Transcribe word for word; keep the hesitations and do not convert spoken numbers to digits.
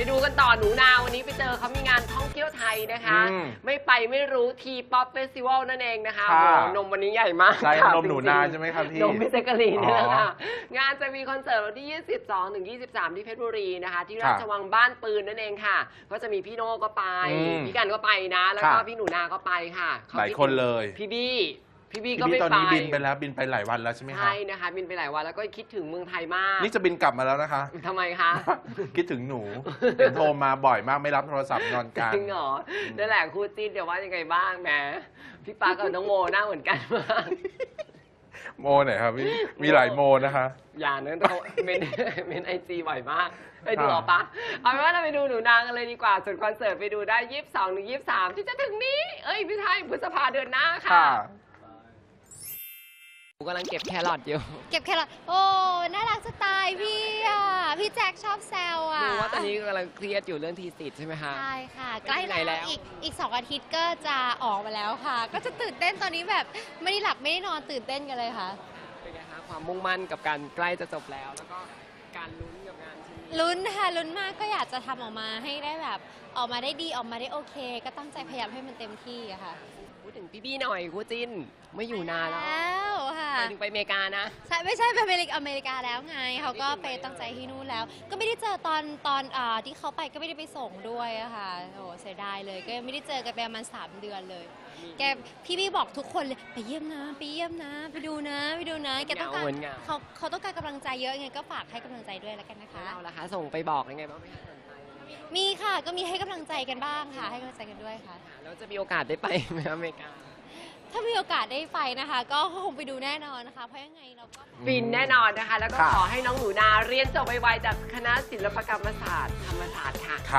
ดูกันต่อหนูนาวันนี้ไปเจอเขามีงานท่องเที่ยวไทยนะคะไม่ไปไม่รู้ทีป๊อปเฟสติวัลนั่นเองนะคะโอ้นมวันนี้ใหญ่มากใช่นมหนูนาใช่ไหมครับพี่นมพิเศษกะลีนี่แหละค่ะงานจะมีคอนเสิร์ตวันที่ยี่สิบสองถึงยี่สิบสามที่เพชรบุรีนะคะที่ราชวังบ้านปืนนั่นเองค่ะก็จะมีพี่โน่ก็ไปพี่กันก็ไปนะแล้วก็พี่หนูนาก็ไปค่ะหลายคนเลยพี่บี้พี่บี้ก็ไม่ไปตอนนี้บินไปแล้วบินไปหลายวันแล้วใช่ไหมคะใช่นะคะบินไปหลายวันแล้วก็คิดถึงเมืองไทยมากนี่จะบินกลับมาแล้วนะคะทำไมคะคิดถึงหนูเห็นโทรมาบ่อยมากไม่รับโทรศัพท์นอนกันจริงเหรอนั่นแหละคู่จิ้นเดี๋ยวว่ายังไงบ้างแหมพี่ปากับน้องโมหน้าเหมือนกันมากโมไหนครับมีหลายโมนะคะอย่าเนื้อเขาเมนเมนไอจีบ่อยมากไปดูออกปะเอาเป็นว่าเราไปดูหนูนากันเลยดีกว่าส่วนคอนเสิร์ตไปดูได้ยี่สิบสองถึงยี่สิบสามที่จะถึงนี้เอ้ยพี่ไทยพฤษภาเดือนหน้าค่ะกำลังเก็บแครอทอยู่เก็บแครอทโอ้น่ารักสไตล์พี่อ่ะพี่แจ็คชอบแซวอ่ะรู้ว่าตอนนี้กำลังเครียดอยู่เรื่องทีสิทธิ์ใช่ไหมคะใช่ค่ะใกล้แล้วอีกอีกสองอาทิตย์ก็จะออกมาแล้วค่ะก็จะตื่นเต้นตอนนี้แบบไม่ได้หลับไม่ได้นอนตื่นเต้นกันเลยค่ะเป็นไงคะความมุ่งมั่นกับการใกล้จะจบแล้วแล้วก็การลุ้นกับงานชิ้นนี้ลุ้นค่ะลุ้นมากก็อยากจะทำออกมาให้ได้แบบออกมาได้ดีออกมาได้โอเคก็ตั้งใจพยายามให้มันเต็มที่อะค่ะพูดถึงพี่บี้หน่อยคู่จิ้นไม่อยู่นานแล้วค่ะไปถึงไปอเมริกานะใช่ไม่ใช่ไปอเมริกาอเมริกาแล้วไงเขาก็ไปตั้งใจที่นู่นแล้วก็ไม่ได้เจอตอนตอนอ่าที่เขาไปก็ไม่ได้ไปส่งด้วยอะค่ะโอ้เสียดายเลยก็ไม่ได้เจอกันไปประมาณสามเดือนเลยแกพี่บี้บอกทุกคนเลยไปเยี่ยมนะไปเยี่ยมนะไปดูนะไปดูนะแกต้องการเขาเขาต้องการกำลังใจเยอะไงก็ฝากให้กำลังใจด้วยแล้วกันนะคะเราล่ะคะส่งไปบอกยังไงบ้างไหมคะมีค่ะก็มีให้กำลังใจกันบ้างค่ะให้กำลังใจกันด้วยค่ะแล้วจะมีโอกาสได้ไปไหมอเมริกาถ้ามีโอกาสได้ไปนะคะก็คงไปดูแน่นอนนะคะเพราะยังไงเราก็ฟินแน่นอนนะคะแล้วก็ขอให้น้องหนูนาเรียนจบไวๆจากคณะศิลปกรรมศาสตร์ธรรมศาสตร์ค่ะ